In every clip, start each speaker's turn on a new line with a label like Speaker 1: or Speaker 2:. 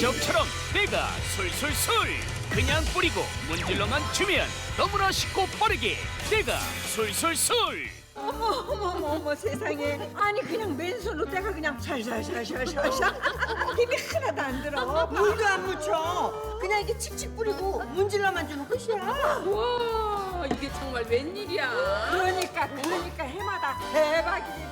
Speaker 1: 기적처럼 때가 솔솔솔. 그냥 뿌리고 문질러만 주면 너무나 쉽고 빠르게 때가 솔솔솔.
Speaker 2: 어머 세상에. 아니 그냥 맨손으로 때가 그냥 샬샬샬샬샬 힘이 하나도 안 들어. 물도 안 묻혀. 그냥 이렇게 칙칙 뿌리고 문질러만 주면 끝이야.
Speaker 3: 와, 이게 정말 웬일이야.
Speaker 2: 그러니까 해마다 대박이지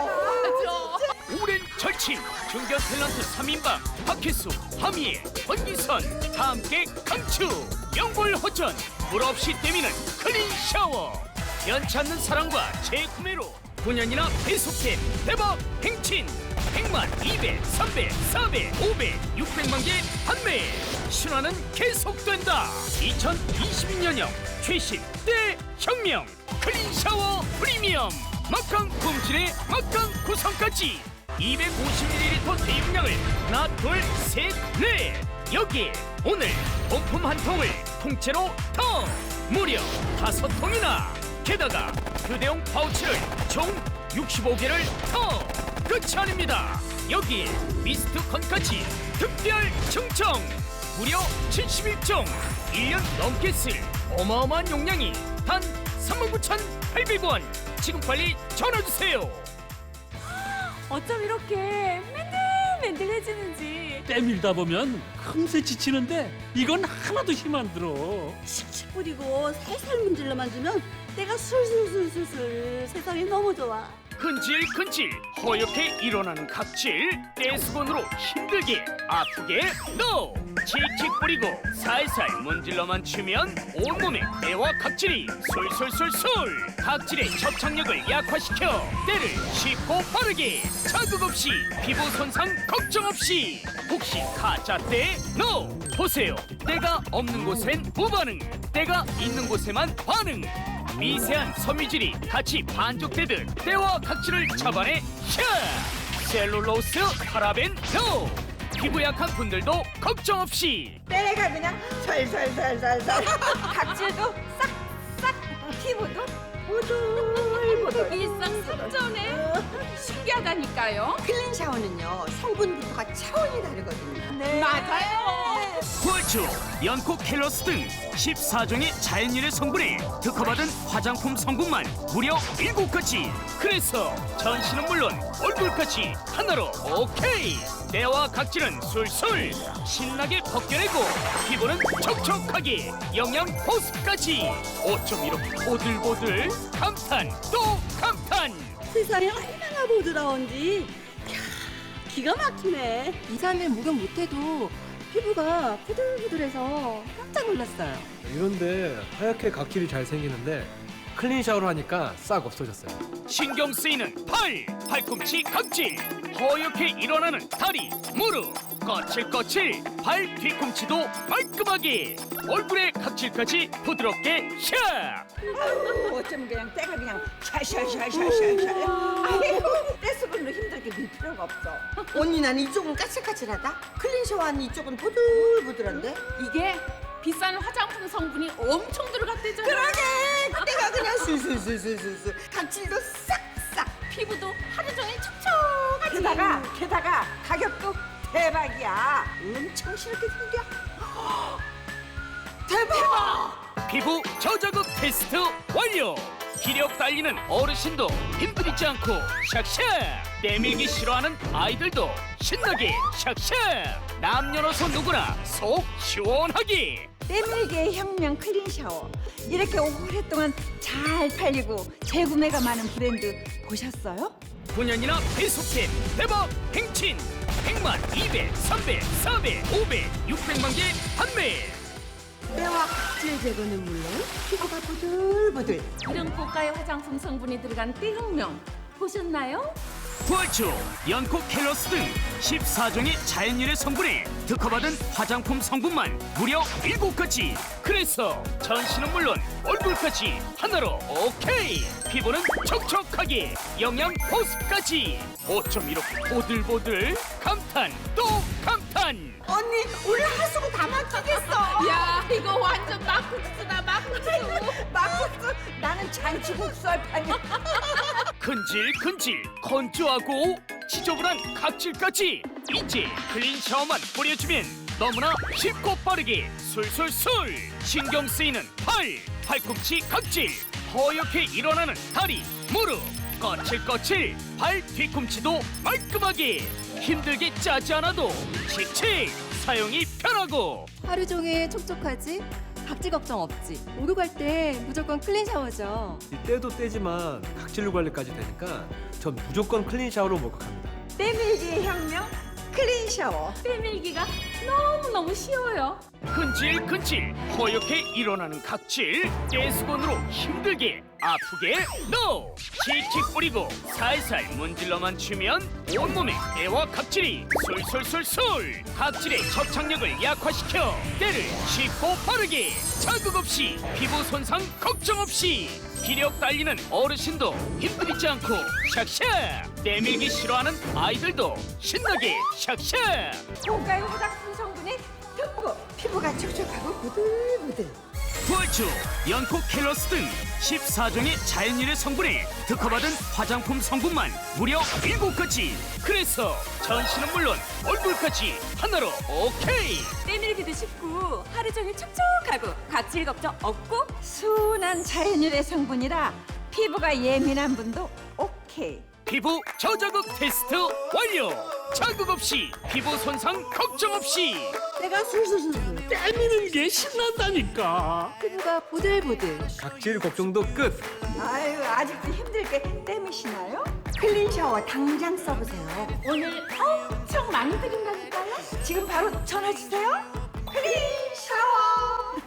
Speaker 2: 대박.
Speaker 1: 오랜 절친 중견 탤런트 3인방 박혜수, 하미애, 권기선 다 함께 강추. 영골허전 물 없이 때미는 클린 샤워. 연치 않는 사랑과 재구매로 9년이나 계속된 대박 행진. 100만, 200, 300, 400, 500, 600만 개 판매. 신화는 계속된다. 2022년형 최신 때 혁명 클린 샤워 프리미엄. 막강 품질의 막강 구성까지 250ml 대용량을 하나, 둘, 셋, 넷. 여기에 오늘 본품 한 통을 통째로 더 무려 5통이나. 게다가 휴대용 파우치를 총 65개를 더. 끝이 아닙니다. 여기에 미스트 건까지 특별 증정. 무려 71종 1년 넘게 쓸 어마어마한 용량이 단 39,800원. 지금 빨리 전화주세요.
Speaker 4: 어쩜 이렇게 맨들맨들해지는지.
Speaker 5: 때밀다 보면 금세 지치는데 이건 하나도 힘 안 들어.
Speaker 6: 칙칙 뿌리고 살살 문질러만 주면 때가 술술술술술. 세상이 너무 좋아.
Speaker 1: 근질근질 허옇게 일어나는 각질. 떼수건으로 힘들게 아프게 NO. 칙칙 뿌리고 살살 문질러만 치면 온몸에 때와 각질이 솔솔솔솔. 각질의 접착력을 약화시켜 때를 쉽고 빠르게 자극 없이 피부 손상 걱정 없이. 혹시 가짜 때 NO. 보세요. 때가 없는 곳엔 무반응, 때가 있는 곳에만 반응. 미세한 섬유질이 같이 반죽되듯 때와 각질을 잡아내 샤. 셀룰로스, 파라벤 NO. 피부 약한 분들도 걱정 없이.
Speaker 2: 때가 그냥 살살살살살. 각질도 싹싹. 피부도 보들보들.
Speaker 3: 일상삼전에 신기하다니까요.
Speaker 2: 클린 샤워는요 성분부터가 차원이 다르거든요. 네.
Speaker 3: 맞아요.
Speaker 1: 구얼추, 연코 캘러스 등 14종의 자연유래 성분에 특허받은 화장품 성분만 무려 7가지. 그래서 전신은 물론 얼굴까지 하나로 오케이. 때와 각질은 술술 신나게 벗겨내고 피부는 촉촉하게 영양 보습까지. 어쩜 이렇게 보들보들. 감탄 또 감탄.
Speaker 6: 세상이 얼마나 부드러운지. 이야, 기가 막히네.
Speaker 4: 2, 3일 목욕 못해도 피부가 부들부들해서 깜짝 놀랐어요.
Speaker 7: 이런데 하얗게 각질이 잘 생기는데 클린 샤워를 하니까 싹 없어졌어요.
Speaker 1: 신경 쓰이는 팔꿈치 각질. 허옇게 일어나는 다리, 무릎, 거칠거칠 발 뒤꿈치도 말끔하게. 얼굴의 각질까지 부드럽게 샥.
Speaker 2: 어쩜 그냥 때가 그냥 샤샤샤샤샤샤. 아이고 떼수건으로 힘들게 밀 필요가 없어. 언니 난 이쪽은 까칠까칠하다. 클린 샤워하는 이쪽은 보들보들한데.
Speaker 3: 이게 비싼 화장품 성분이 엄청 들어갔대잖아.
Speaker 2: 그러게 때가 그냥 술술술술술. 각질도 싹싹.
Speaker 3: 피부도 하루 종일 촉촉하지.
Speaker 2: 게다가 가격도 대박이야. 엄청 쉽게 생겨. 대박.
Speaker 1: 피부 저자극 테스트 완료. 기력 달리는 어르신도 힘들이지 않고 샥샥. 때밀기 싫어하는 아이들도 신나게 샥샥. 남녀노소 누구나 속 시원하게.
Speaker 2: 때밀기의 혁명 클린 샤워. 이렇게 오랫동안 잘 팔리고 재구매가 많은 브랜드 보셨어요?
Speaker 1: 9년이나 계속된 대박 행진. 100만, 200, 300, 400, 500, 600만 개 판매.
Speaker 2: 때와 각질 제거는 물론 피부가 부들부들.
Speaker 3: 이런 고가의 화장품 성분이 들어간 때혁명 보셨나요?
Speaker 1: 구얼추, 연코 캘러스 등 14종의 자연유래 성분에 특허받은 화장품 성분만 무려 7가지. 그래서 전신은 물론 얼굴까지 하나로 오케이. 피부는 촉촉하게 영양 보습까지. 어쩜 이렇게 보들보들. 감탄 또 감탄.
Speaker 2: 언니 오늘 하수구 다 막히겠어.
Speaker 3: 야, 이거 완전 막국수다, 막국수.
Speaker 2: 막국수. 나는 잔치국수 할 판이야.
Speaker 1: 근질근질 건조하고 지저분한 각질까지 이제 클린 샤워만 뿌려주면 너무나 쉽고 빠르게 술술술 신경 쓰이는 팔꿈치 각질 허옇게 일어나는 다리 무릎 거칠거칠 발 뒤꿈치도 말끔하게 힘들게 짜지 않아도 칙칙 사용이 편하고
Speaker 4: 하루 종일 촉촉하지? 각질 걱정 없지. 목욕할 때 무조건 클린 샤워죠.
Speaker 7: 이 때도 때지만 각질 관리까지 되니까 전 무조건 클린 샤워로 목욕합니다.
Speaker 2: 때밀기의 혁명 클린 샤워.
Speaker 3: 빼밀기가 너무너무 쉬워요.
Speaker 1: 근질근질 허옇게 일어나는 각질 떼수건으로 힘들게 아프게 NO! 칙칙 뿌리고 살살 문질러만 주면 온몸에 때와 각질이 솔솔솔솔 각질의 접착력을 약화시켜 때를 쉽고 빠르게 자극 없이 피부 손상 걱정 없이 기력 달리는 어르신도 힘들이지 않고 샥샥 때밀기 싫어하는 아이들도 신나게 샥샥
Speaker 2: 고가의 화장품 성분이 듬뿍 피부가 촉촉하고 부들부들.
Speaker 1: 부활초, 연코 캘러스 등 14종의 자연유래 성분에 특허받은 화장품 성분만 무려 7가지. 그래서 전신은 물론 얼굴까지 하나로 오케이.
Speaker 3: 빼밀기도 쉽고 하루 종일 촉촉하고 각질 걱정 없고
Speaker 2: 순한 자연유래 성분이라 피부가 예민한 분도 오케이.
Speaker 1: 피부 저자극 테스트 완료. 자극 없이 피부 손상 걱정 없이
Speaker 6: 내가 술술술
Speaker 5: 때미는 게 신난다니까.
Speaker 4: 피부가 보들보들.
Speaker 7: 각질 걱정도 끝.
Speaker 2: 아유 아직도 힘들게 때미시나요? 클린 샤워 당장 써보세요.
Speaker 3: 오늘 엄청 많이 드린다니까요.
Speaker 2: 지금 바로 전화 주세요. 클린 샤워.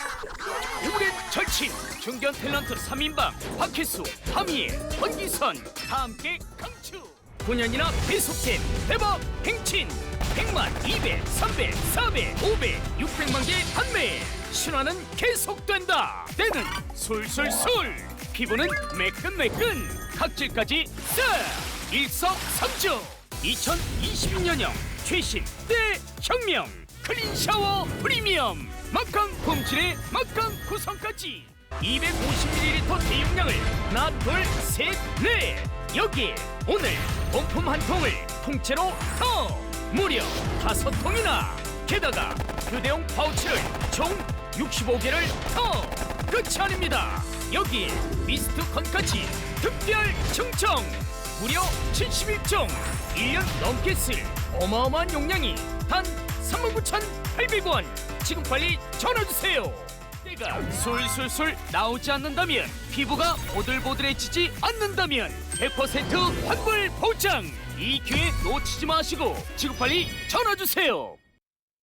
Speaker 1: 오랜 절친 중견 탤런트 3인방 박혜수, 하미애, 권기선 다 함께 강추 9년이나 계속된 대박 행진 100만, 200, 300, 400, 500, 600만 개 판매 신화는 계속된다 때는 술술술 피부는 매끈매끈 각질까지 싹 일석삼조 2022년형 최신 때 혁명 클린 샤워 프리미엄 막강 품질의 막강 구성까지 250ml 대용량을 하나 둘셋넷 여기에 오늘 본품 한 통을 통째로 더 무려 5통이나 게다가 휴대용 파우치를 총 65개를 더 끝이 아닙니다 여기에 미스트 건까지 특별 충청 무려 71종 1년 넘게 쓸 어마어마한 용량이 단 39,800원 지금 빨리 전화주세요 때가 술술술 나오지 않는다면 피부가 보들보들해지지 않는다면 100% 환불 보장 이 기회 놓치지 마시고 지금 빨리 전화주세요